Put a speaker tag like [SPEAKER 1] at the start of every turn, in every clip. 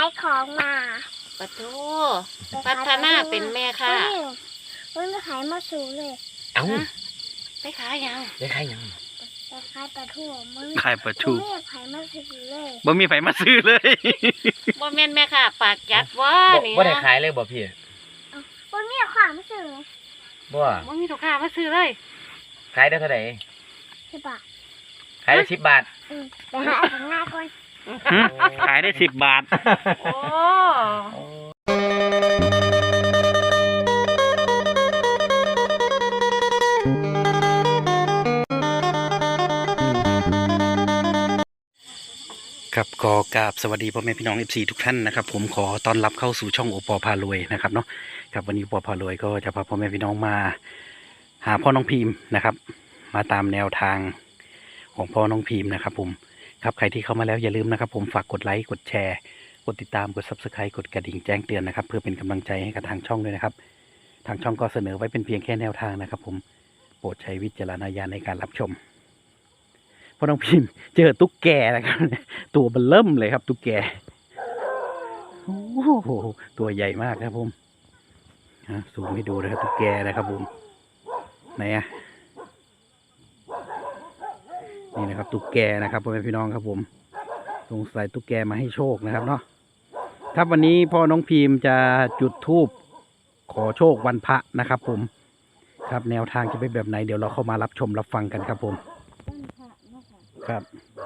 [SPEAKER 1] ายของมา
[SPEAKER 2] ปะโถพัฒนาเป็นแม่ค่ะ
[SPEAKER 1] มันขายมาสูเลย
[SPEAKER 3] เอ้า
[SPEAKER 2] ไปขายยัง
[SPEAKER 3] ได้ขายยัง
[SPEAKER 1] ไปขายปลาทูมัน
[SPEAKER 4] ขายปลาทู
[SPEAKER 1] ไม่ขายมาซื้อเลย
[SPEAKER 4] บ่มีไผมาซื้อเลย
[SPEAKER 2] บ่แม่นแม่ค่ะปากจัดว่านี่
[SPEAKER 3] บ่ได้ขายเลยบ่พี่
[SPEAKER 1] มันมีของมาซื้อ
[SPEAKER 3] บ่
[SPEAKER 2] มีลูกค้ามาซื้อเลย
[SPEAKER 3] ขายได้เท่าไหร่
[SPEAKER 1] 10 บาท
[SPEAKER 3] ขายได้10 บาท
[SPEAKER 1] ไปหาของง่ายก่อน
[SPEAKER 4] ขายได้10 บาท
[SPEAKER 2] โอ้
[SPEAKER 4] ครับก็กราบสวัสดีพ่อแม่พี่น้อง FC ทุกท่านนะครับผมขอต้อนรับเข้าสู่ช่องโอปอพารวยนะครับเนาะครับวันนี้โอปอพารวยก็จะพาพ่อแม่พี่น้องมาหาพ่อน้องพิมพ์นะครับมาตามแนวทางของพ่อน้องพิมพ์นะครับผมครับใครที่เข้ามาแล้วอย่าลืมนะครับผมฝากกดไลค์กดแชร์กดติดตามกด Subscribe กดกระดิ่งแจ้งเตือนนะครับเพื่อเป็นกำลังใจให้กับทางช่องด้วยนะครับทางช่องก็เสนอไว้เป็นเพียงแค่แนวทางนะครับผมโปรดใช้วิจารณญาณในการรับชมพ่อน้องพิมพ์เจอตุ๊กแกนะครับตัวเบิ่มเริ่มเลยครับตุ๊กแกโอ้โหตัวใหญ่มากครับผมซูมให้ดูนะครับตุ๊กแกนะครับผมไหนอะนี่นะครับตุ๊กแกนะครับพ่อแม่พี่น้องครับผมสงสัยตุ๊กแกมาให้โชคนะครับเนาะครับวันนี้พ่อน้องพิมพ์จะจุดธูปขอโชควันพระนะครับผมครับแนวทางจะเป็นแบบไหนเดี๋ยวเราเข้ามารับชมรับฟังกันครับผมครับ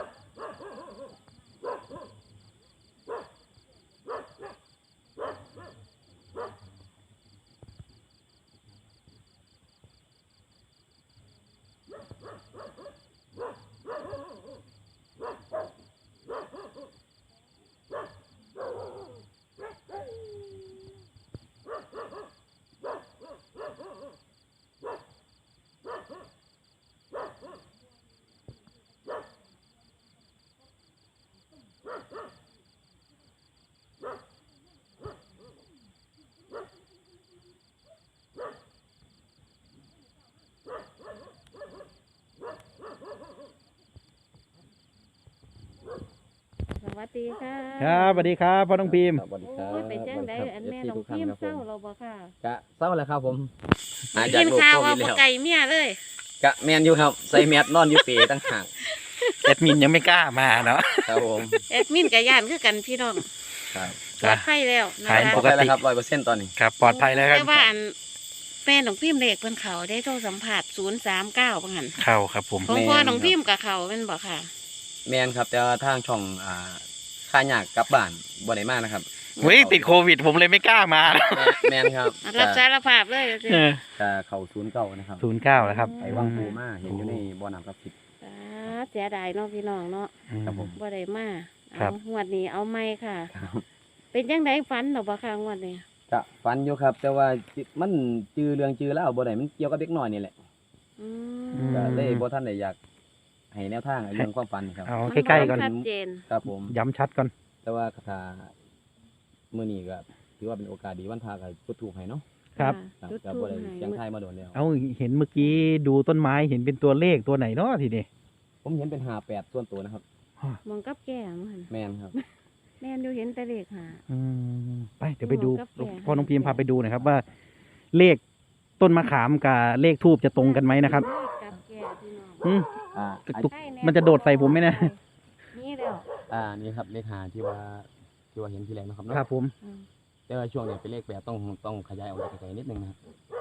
[SPEAKER 2] สวัสดีค่ะ
[SPEAKER 4] ครับสวัสดีครับพ่อน้องพิมพ์
[SPEAKER 3] สวัสดีครั
[SPEAKER 2] บไปแจ้งได้อันแม่น้องพิมพ์เศร้าเราบ่ค่ะ
[SPEAKER 3] กะเศร้าแล้วครับผม
[SPEAKER 2] กินข้าวว่าบ่ไก่เมียเลย
[SPEAKER 3] กะแมนอยู่ครับใส่แมสนอนอยู่เปตั้งห่าง
[SPEAKER 4] แอดมินยังไม่กล้ามาเนาะ
[SPEAKER 3] ครับผม
[SPEAKER 2] แอดมินกับย่านคือกันพี่น้อง
[SPEAKER 3] ครับ
[SPEAKER 2] ปลอดภัยแล้ว
[SPEAKER 3] นะคะปลอดภัยแล้วครับ100%ตอนนี้
[SPEAKER 4] ครับปลอดภัยแล้วครับ
[SPEAKER 2] แต่ว่าอันแม่น้องพิมพ์เด็กเพิ่นเขาได้โทรสัมผัส039ว่างั้น
[SPEAKER 4] เข้าครับผม
[SPEAKER 2] ของพ่อน้องพิมพ์กับเขาแม่นบ่ค่ะ
[SPEAKER 3] แมนครับแต่ว่าทางช่องค่ายากกลับบ้านบ่ได้มากนะครับ
[SPEAKER 4] เฮ้ยติดโควิดผมเลยไม่กล้ามา
[SPEAKER 3] แมนครับ
[SPEAKER 2] รับสารภาพเลย
[SPEAKER 3] จะเข้า09นะครับ
[SPEAKER 4] 09แล้วครับ
[SPEAKER 3] ไปวังปูมาเห็นอยู่ในบ่อน้ำศักดิ์สิทธิ์
[SPEAKER 2] เสียดายเนาะพี่น้องเนาะ
[SPEAKER 3] ครับผม
[SPEAKER 2] บ่ได้มาเอางวดนี้เอาไม่ค่ะเป็นจังได๋ฝันดอกบ่ค่ะงวดนี้
[SPEAKER 3] ก็ฝันอยู่ครับแต่ว่ามันจือเรื่องจือแล้วบ่ได้มันเกี่ยวกับเด็กน้อยนี่แหละก็เลยบ่ทันได้อยากให้แนวทางเรื่องความฝันครับ
[SPEAKER 4] เอาใกล้ๆก่อน
[SPEAKER 3] ครับผม
[SPEAKER 4] ย้ำชัดก่อน
[SPEAKER 3] แต่ว่าคาถามื้อนี้ก็ถือว่าเป็นโอกาสดีวันพระก็จุดธูปให้เนาะ
[SPEAKER 4] ครับ
[SPEAKER 3] ก็บ่ได้เสียงทายมาโดนแล้ว
[SPEAKER 4] เอาเห็นเมื่อกี้ดูต้นไม้เห็นเป็นตัวเลขตัวไหนเนาะทีนี้
[SPEAKER 3] ผมเห็นเป็น58ส่วนตัวนะครับ
[SPEAKER 2] มองกับแก่มั้ง
[SPEAKER 3] แม่นครับ
[SPEAKER 2] แม่นอยู่เห็นแต่เลข
[SPEAKER 4] ไปเดี๋ยวไปดูพ่อน้องพิมพ์พาไปดูหน่อยครับว่าเลขต้นมะขามกับเลขทูบจะตรงกันไหมนะครับมันจะโดดใส่ผมไหมนะ
[SPEAKER 2] นี่เดียว
[SPEAKER 3] นี่ครับเลข5ที่ว่าเห็นทีแรกนะครับ
[SPEAKER 4] ครับผม
[SPEAKER 3] แต่ว่าช่วงนี้เป็นเลข8ต้องขยายออกไกลๆนิดนึงนะครับ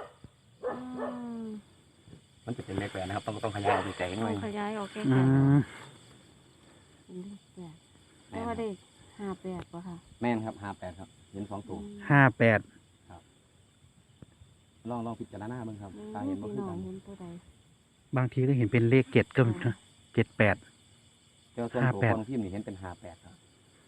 [SPEAKER 3] มันจะเป็นเลข8นะครับต้องขยายออกไกลๆหน่อย
[SPEAKER 2] ขยายออกไกลๆแล้วได้58ป่ะค่ะ
[SPEAKER 3] แม่นครับ58ครับเห็น2ตัว
[SPEAKER 4] 58
[SPEAKER 3] ครับลองพิจารณาเบิ่งครับตาเห็นบ่คือกัน
[SPEAKER 4] บางทีก็เห็นเป็นเลข7ก็78
[SPEAKER 3] แต่ส่วนตัวของพิมพ์นี่เห็นเป็น58ครับ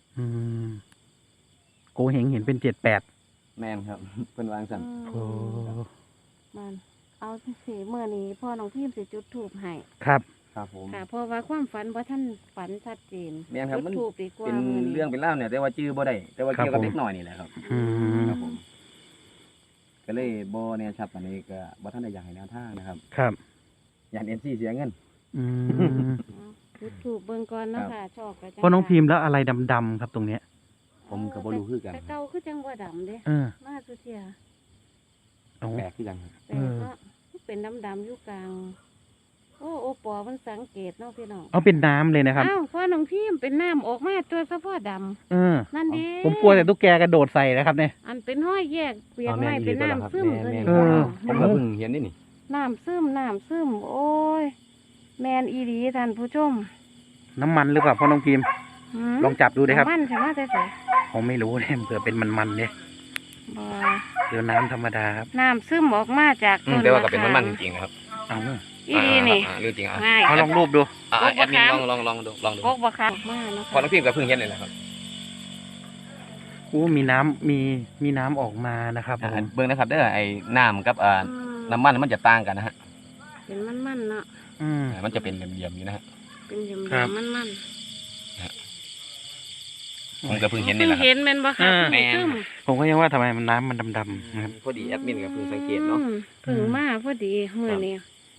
[SPEAKER 4] โกเฮงเห็นเป็น78
[SPEAKER 3] แม่นครับเพิ่นวางสั่น
[SPEAKER 2] มันเอาสิมื้อนี้พ่อน้องพิมพ์สิจุดธูปให้
[SPEAKER 4] ครับ
[SPEAKER 3] ผม
[SPEAKER 2] ค่ะเพราะว่าความฝันบ่ทันฝันชัดเจน
[SPEAKER 3] แม่นครับมันเป็นเรื่องเป็นเล่าเนี่ยแต่ว่าจื้อบ่ได้แต่ว่าเกี่ยวกับเด็กน้อยนี่แหละครับครับผมก็เลยบ่แน่ชัดปานนี้ก็บ่ทันได้อยากให้แนวทางนะครับ
[SPEAKER 4] ครับ
[SPEAKER 3] อยาก MC เสียเงิน
[SPEAKER 2] จุดธูปเบิ่งก่อนเนาะค่ะชอบก็จัง
[SPEAKER 4] พ่อน้องพิมพ์แล้วอะไรดำๆครับตรงเนี้ย
[SPEAKER 3] ผมก็บ่รู้คือกัน
[SPEAKER 2] แต่เก่าคือจังบ่ดำเด้ มาสุเทีย
[SPEAKER 4] เอา
[SPEAKER 3] แปลกคือกันครับ
[SPEAKER 2] แต่ก็เป็นดำๆอยู่กลาง โอ้โอปอมันสังเกตเนาะพี่น้อง
[SPEAKER 4] เอาเป็นน้ำเลยนะครับ
[SPEAKER 2] อ้าวพ่อน้องพิมเป็นน้ำออกมาตัวเฉพาะด นั่นเด้
[SPEAKER 4] ผมกลัวแต่ตุ๊กแกกระโดดใส่นะครับเนี่ย
[SPEAKER 2] ำอันเป็นห้อยแยกเปียก
[SPEAKER 3] อ๋อ
[SPEAKER 2] ไม้
[SPEAKER 3] แม่น
[SPEAKER 2] เป็น
[SPEAKER 3] อีหลีตัวละครับ
[SPEAKER 2] น้ำซึม
[SPEAKER 3] แม่
[SPEAKER 2] ตัวน นี้
[SPEAKER 3] ผมก็เพิ่งเห็นนี่
[SPEAKER 2] น้ำซึมโอ้ย แมนอีดีท่านผู้ชม
[SPEAKER 4] น้ำมันหรือเปล่าพ่อน้องพิมพ์
[SPEAKER 2] หืม
[SPEAKER 4] ลองจับดูดิครับ
[SPEAKER 2] น้ำมันใช่ไหมใส่ใส่
[SPEAKER 4] ผมไม่รู้เนี่ยเผื่อเป็นมันๆเนี่ย
[SPEAKER 2] บ่
[SPEAKER 4] เดี๋ยวน้ำธรรมดาครับ
[SPEAKER 2] น้ำซึมออกมาจากต้น
[SPEAKER 3] แต่ว่าก็เป็น
[SPEAKER 2] มะข
[SPEAKER 3] มันๆจริงๆนะครับ
[SPEAKER 4] เอา
[SPEAKER 2] อีดีนี่
[SPEAKER 3] เรื่องจริงอ่ะ
[SPEAKER 2] ง่าย
[SPEAKER 4] เอาลองรูปดู
[SPEAKER 3] แอดมินลองดู
[SPEAKER 2] พกบะคักมาเนาะ
[SPEAKER 3] พอน้องพิมพ์ก็เพิ่งเห็นเลยแหละครับ
[SPEAKER 4] อู้มีน้ำมีน้ำออกมานะครับผม
[SPEAKER 3] เบิ่งนะครับเด้อไอ้น้ำกับ
[SPEAKER 2] อืม
[SPEAKER 3] น้ำมันมันจะต่างกันนะฮะ
[SPEAKER 2] เป็นมันๆเนาะ
[SPEAKER 3] มันจะเป็นเหลี่ยมๆอยู่นะฮะ
[SPEAKER 2] เป็นเหลี่ยม
[SPEAKER 4] ครับ
[SPEAKER 2] ๆมัน
[SPEAKER 3] ผมก็เพิ่ง
[SPEAKER 2] ๆ
[SPEAKER 3] เห็น
[SPEAKER 2] เพิ่
[SPEAKER 3] นี่
[SPEAKER 2] ง
[SPEAKER 3] แหละค
[SPEAKER 2] เห็
[SPEAKER 3] รับ
[SPEAKER 2] นแม่นบ่คะ
[SPEAKER 3] แม่น
[SPEAKER 2] ซึม
[SPEAKER 4] ผมก็ยังว่าทำไมมันน้ำมันดำๆนะครับ
[SPEAKER 3] พอดีแอดมินก็เพิ่งสังเกตเนาะ
[SPEAKER 2] เพิ่งมาพอดีมื้อนี้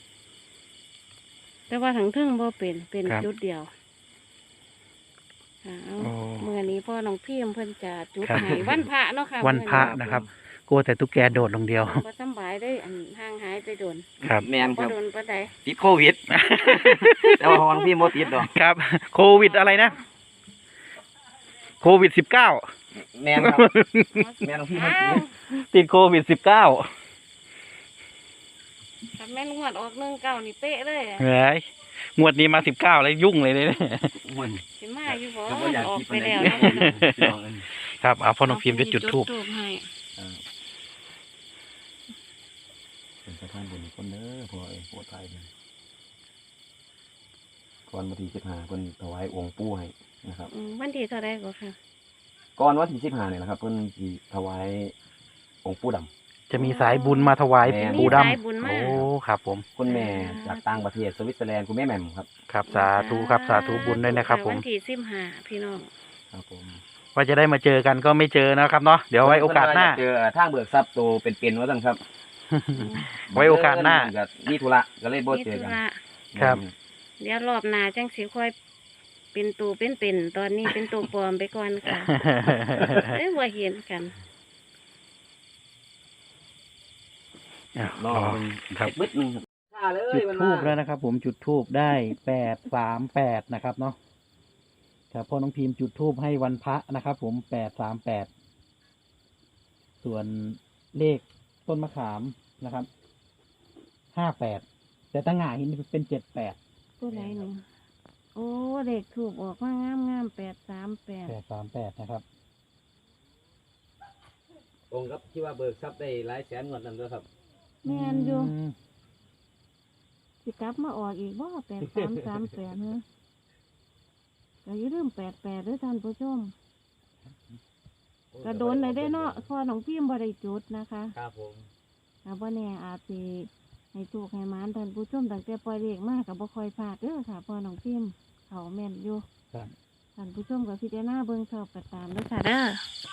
[SPEAKER 2] แต่ว่าทั้งเทึ่งบ่เป็น
[SPEAKER 4] ครับ
[SPEAKER 2] จุดเดียวค่ะเอา
[SPEAKER 4] โอ้
[SPEAKER 2] มื้อนี้พ่อน้องพิมเพิ่นจะจุด
[SPEAKER 4] ครับ
[SPEAKER 2] ให้วันพระเนาะค่ะ
[SPEAKER 4] วันพระนะครับ กลัวแต่ตุ๊กแกโดดลงเดียว
[SPEAKER 2] บ่สำบายได้อันห่างหายไปโดน
[SPEAKER 4] ครับ
[SPEAKER 3] แม่นค
[SPEAKER 2] บ่
[SPEAKER 3] รับ
[SPEAKER 2] โดนปานใด
[SPEAKER 3] ติดโควิด แต่ว่าของน้องพิมพ์บ่ติดดอก
[SPEAKER 4] ครับ โควิดอะไรนะ โควิด 19
[SPEAKER 3] แม่นครับ แม่น้องพิมพ์มันติด
[SPEAKER 4] ติดโควิด 19
[SPEAKER 2] ถ้าแม่นงวดออก19นี่เป๊ะเลยอะ
[SPEAKER 4] เฮ้ยงวดนี้มา 19 แล้วยุ่งเลยเนี่ย
[SPEAKER 3] มัน
[SPEAKER 2] สิมาอยู่บ่
[SPEAKER 3] ก็บ่อยาก
[SPEAKER 2] ออก
[SPEAKER 3] คิด
[SPEAKER 2] ไป
[SPEAKER 3] ปานใด
[SPEAKER 2] แล้วเนาะ
[SPEAKER 3] พี่น้องเอ้ย
[SPEAKER 4] ครับเอาพ่อน้องพิมพ์จะจุดธูป
[SPEAKER 2] ให้
[SPEAKER 3] เป็นสะพานบุญคนเด้อพ่อเอ้ยโปรดไทยเลยก่อนวันที่15เพิ่นถวายองค์ปู่ให้นะครับ
[SPEAKER 2] วันที่เท่าไรก็ค่ะ
[SPEAKER 3] ก่อนวันที่15นี่แหละครับเพิ่นสิถวายองค์ปู่ดำ
[SPEAKER 4] จะมีสายบุญมาถวาย
[SPEAKER 3] แม่
[SPEAKER 4] ปู่
[SPEAKER 2] มีสายบุญ
[SPEAKER 4] ดำ
[SPEAKER 2] มา
[SPEAKER 4] โอ้ครับผม
[SPEAKER 3] คุณแม่จากต่างประเทศสวิตเซอร์แลนด์คุณแม่แหม่มครับ
[SPEAKER 4] ครับสาธุครับสาธุบุญด้วยนะครับผม
[SPEAKER 2] วันที่15พี่น้อง
[SPEAKER 3] ครับผม
[SPEAKER 4] ว่าจะได้มาเจอกันก็ไม่เจอนะครับเนาะเดี๋ยวไว้โอกาสหน้า
[SPEAKER 3] เจอทางเบิกทรัพย์โตเป็นๆว่าซั่นครับ
[SPEAKER 4] ไว้โอกาสหน้า
[SPEAKER 3] ก็มีธุระก็เลยบ่
[SPEAKER 2] มี
[SPEAKER 3] เจอ
[SPEAKER 2] ธุ
[SPEAKER 3] กัน
[SPEAKER 2] ระ
[SPEAKER 4] ครับ
[SPEAKER 2] เดี๋ยวรอบหน้าจังสิค่อยเป็นตูเป็นตอนนี้เป็นตัวปลอมไปก่อนค่ะเอ้ยบ่เห็นกัน
[SPEAKER 3] รอ
[SPEAKER 4] ครับ
[SPEAKER 3] บึดนึงครับเลย
[SPEAKER 4] จุดทูบแล้วนะครับ ผมจุดทูบได้838นะครับเนาะครับพ่อน้องพิมพ์จุดทูบให้วันพระนะครับ ผม838ส่วนเลขต้นมะขามนะครับ58แต่ตั้งหงายหินเป็น78
[SPEAKER 2] ตัวไหนหนึ่งโอ้เด็กถูกออกมางาม838
[SPEAKER 4] 838นะครับ
[SPEAKER 3] ตรงครับที่ว่าเบิกทรัพย์ได้หลายแสนงวดนั้นด้วยครับ
[SPEAKER 2] แม่นอยู่สิกลับมาออกอีกบ่8338เนอะก็อย่าลืม88ด้วยท่านผู้ชมกระโดนเลยได้เนาะพอน้องพิมพ์บ่ได้จุดนะคะ
[SPEAKER 3] ครับผม
[SPEAKER 2] บ่แน่อาจสิให้ถูกให้หมานท่านผู้ชมตั้งแต่ปล่อยเลขมาก็บ่ค่อยพลาดเด้อค่ะพอน้องพิมพ์เขาแม่นอยู่
[SPEAKER 4] ครับ
[SPEAKER 2] ท่านผู้ชมก็พิจารณาเบิ่งชอบก็ตามเด้อค่ะเด้อ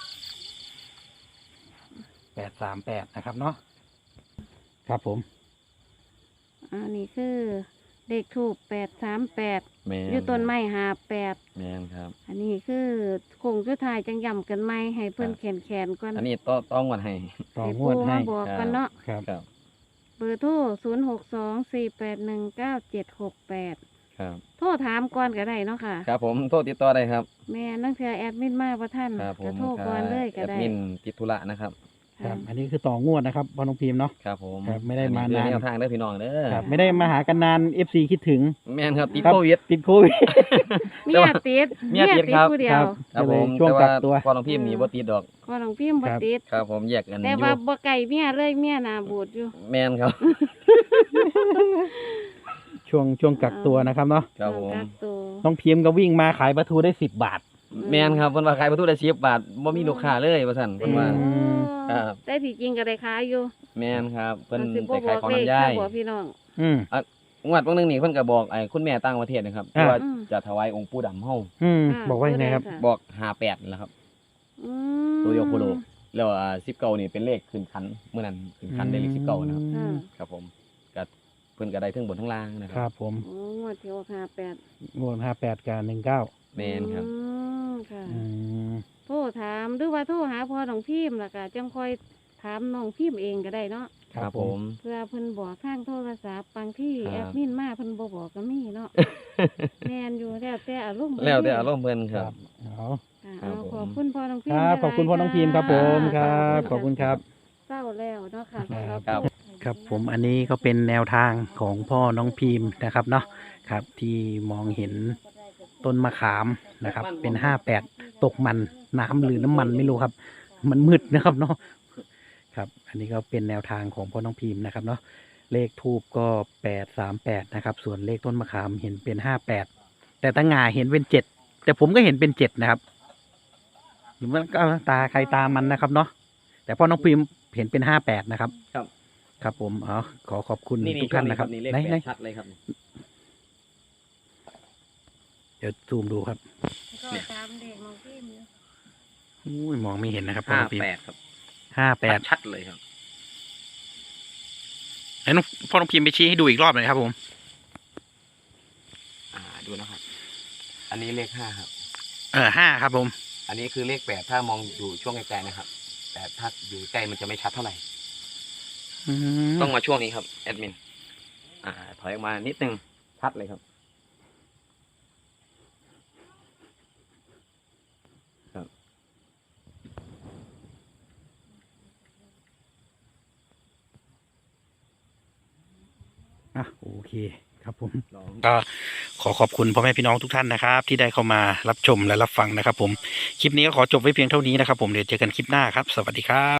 [SPEAKER 4] 838นะครับเนาะครับผม
[SPEAKER 2] อันนี้คือเลขถูก838
[SPEAKER 3] แม่น
[SPEAKER 2] อยู่ต้นไม้58
[SPEAKER 3] แม่นครับ
[SPEAKER 2] อันนี้คือคงสุดท้ายจังย่ำกันไหมให้เพื่อน
[SPEAKER 3] ครับ
[SPEAKER 2] แขนก่อน
[SPEAKER 3] อันนี้ต้องงวดให้
[SPEAKER 4] ต่อ
[SPEAKER 2] ให้
[SPEAKER 4] ง
[SPEAKER 2] ปู
[SPEAKER 4] วดให้
[SPEAKER 2] มาบอกกันเนาะ
[SPEAKER 4] ครับ
[SPEAKER 3] ครับ
[SPEAKER 2] เบอร์โทร0624819768
[SPEAKER 3] ครับ
[SPEAKER 2] โทรถามก่อนก็ได้เนาะค่ะ
[SPEAKER 3] ครับผมโทษติดต่อได้ครับ
[SPEAKER 2] แม่นั่งเธอแอดมินมาประท่าน
[SPEAKER 3] ครับผ
[SPEAKER 2] ก็
[SPEAKER 3] ม
[SPEAKER 2] โทรก่อนเลยก็
[SPEAKER 3] แอด
[SPEAKER 2] ได้
[SPEAKER 3] มินติดธุระนะครับ
[SPEAKER 4] ครับ อันนี้คือต่องวดนะครับพ่อน้องพิมพ์เนาะ
[SPEAKER 3] ครับผม
[SPEAKER 4] ครับไม่ได้มา
[SPEAKER 3] อั
[SPEAKER 4] นาน
[SPEAKER 3] คือแนวทางเด้อพี่น้องเด้อ
[SPEAKER 4] ครับไม่ได้มาหากันนาน FC คิดถึง
[SPEAKER 3] แม่นครับติด
[SPEAKER 4] ครับ
[SPEAKER 3] โควิด
[SPEAKER 4] ติดโควิด
[SPEAKER 2] เมียติด
[SPEAKER 3] เมียติดครับ
[SPEAKER 2] ผู้เดีย
[SPEAKER 4] ครั
[SPEAKER 2] ว
[SPEAKER 4] บ
[SPEAKER 3] ครับผม
[SPEAKER 4] ช่วง
[SPEAKER 3] แต่
[SPEAKER 4] กั
[SPEAKER 3] ว่าก
[SPEAKER 4] ตัว
[SPEAKER 3] พอน้องพิมพ์นี่บ่ติดดอก
[SPEAKER 2] พอน้องพิมพ์บ่
[SPEAKER 4] ครับ
[SPEAKER 2] ติด
[SPEAKER 3] ครับผมแยกกันอ
[SPEAKER 2] แต่
[SPEAKER 3] ยู่
[SPEAKER 2] ว่าบ่ไก่เมียเลยเมียหน้าบูดอยู่
[SPEAKER 3] แม่นครับ
[SPEAKER 4] ช่วงกักตัวนะครับเนาะ
[SPEAKER 3] ครับผม
[SPEAKER 2] กักตัว
[SPEAKER 4] น้องพิมพ์ก็วิ่งมาขายปลาทูได้10 บาท
[SPEAKER 3] แม่นครับเพิ่นว่าขายประตูได้10 บาทบ่มีลูกค้าเลยว่าซั่นเพิ่นว่า
[SPEAKER 4] อืม
[SPEAKER 3] ครับ
[SPEAKER 2] แต่ที่จริงก็ได้ขายอยู่
[SPEAKER 3] แม่นครับเพิ่น
[SPEAKER 2] สิบ่
[SPEAKER 3] ไปขายของ
[SPEAKER 2] เลข
[SPEAKER 3] น้ำย่าย
[SPEAKER 2] บ่พี่น้อง
[SPEAKER 4] อืม
[SPEAKER 3] งวดบางนึงนี่เพิ่นก็บอกไอ้คุณแม่ต่างประเทศนะครับ
[SPEAKER 4] อ่า
[SPEAKER 3] ว่าจะถวายองค์ปู่ดำเฮา
[SPEAKER 4] อืม
[SPEAKER 2] ค่ะ
[SPEAKER 4] บอกว่ายังไงครับ
[SPEAKER 2] ตัวใดะ
[SPEAKER 3] บอก58นี่แหละครับ
[SPEAKER 2] อืม
[SPEAKER 3] ตัวเดียวโคโลแล้ว19นี่เป็นเลขขึ้นคันเมื่อนั้นขึ้นคันได้เลข19นะครับ
[SPEAKER 2] ค่ะ
[SPEAKER 3] ครับผมก็เพิ่นก็ได้ทั้งบนทั้งล่างนะค
[SPEAKER 4] ค
[SPEAKER 3] รั
[SPEAKER 4] รั
[SPEAKER 3] บบ
[SPEAKER 4] ผม
[SPEAKER 2] โอ้งวดที่ออก58
[SPEAKER 4] งวด58กับ19
[SPEAKER 3] แม่นครับ
[SPEAKER 2] ค่ะ
[SPEAKER 3] แ
[SPEAKER 2] โทรถามหรือว่าโทรหาพ่อน้องพิมพ์แล้วก็จังค่อยถามน้องพิมพ์เองก็ได้เนาะ
[SPEAKER 3] ครับผม
[SPEAKER 2] เพื่อเพิ่นบอกข้างโทรศัพท์บางที่
[SPEAKER 3] ครับ
[SPEAKER 2] แอดมินมาเพิ่นบ่บอกก็มีเนาะ แม่นอยู่แล้วแต่อารมณ์
[SPEAKER 3] แล้วแต่อารมณ์เพิ่นครับ
[SPEAKER 4] เอา
[SPEAKER 2] ค่ะ
[SPEAKER 3] ครับ
[SPEAKER 2] เอา
[SPEAKER 3] ผม
[SPEAKER 2] ขอบคุณพ่อน้องพิ
[SPEAKER 4] ค
[SPEAKER 2] มพ์
[SPEAKER 4] รับขอบคุณพ่อน้องพิมพ์ครับผมครับขอบคุณครับ
[SPEAKER 2] เศร้าแล้วเนาะค่ะสำหรับ
[SPEAKER 3] ครับ
[SPEAKER 4] ครับผมอันนี้ก็เป็นแนวทางของพ่อน้องพิมพ์นะครับเนาะครับที่มองเห็นต้นมะขามนะครับ เป็น58ตกมันน้ำหรือน้ำมันไม่รู้ครับ มันมืดนะครับเนาะครับ อันนี้ก็เป็นแนวทางของพ่อน้องพิมพ์นะครับเนาะเลขทูบก็838นะครับ ส่วนเลขต้นมะขามเห็นเป็น58แต่ตาหงาเห็นเป็น7แต่ผมก็เห็นเป็น7นะครับมันก็ตาใครตามันนะครับเนาะแต่พ่อน้องพิมพ์เห็นเป็น58นะครับ
[SPEAKER 3] ครับ
[SPEAKER 4] ครับผมขอขอบคุณ
[SPEAKER 3] นี่
[SPEAKER 4] ทุกท่านนะครับ
[SPEAKER 3] นี่เลข
[SPEAKER 4] ไหน
[SPEAKER 3] 8ชัดเลยครับ
[SPEAKER 4] เดี๋ยวซูมดูครับ
[SPEAKER 2] ก็ตามเด็กน้องพิมพ์อยู่
[SPEAKER 4] อุ้ยมองไม่เห็นนะครับพ่อน้องพิมพ์
[SPEAKER 3] 58ครับ
[SPEAKER 4] 58
[SPEAKER 3] ชัดเลยครับ
[SPEAKER 4] ไอ้น้องพ่อน้องพิมพ์ไปชี้ให้ดูอีกรอบหน่อยครับผม
[SPEAKER 3] ดูนะครับ อันนี้เลข5ครับ
[SPEAKER 4] 5ครับผม
[SPEAKER 3] อันนี้คือเลข8ถ้ามองอยู่ช่วงไกลๆนะครับ แต่ถ้าอยู่ใกล้มันจะไม่ชัดเท่าไหร่ ต้องมาช่วงนี้ครับแอดมินถอยออกมานิดนึงชัดเลยครับ
[SPEAKER 4] โอเคครับผม ก็ขอขอบคุณพ่อแม่พี่น้องทุกท่านนะครับ ที่ได้เข้ามารับชมและรับฟังนะครับผม คลิปนี้ก็ขอจบไว้เพียงเท่านี้นะครับผม เดี๋ยวเจอกันคลิปหน้าครับ สวัสดีครับ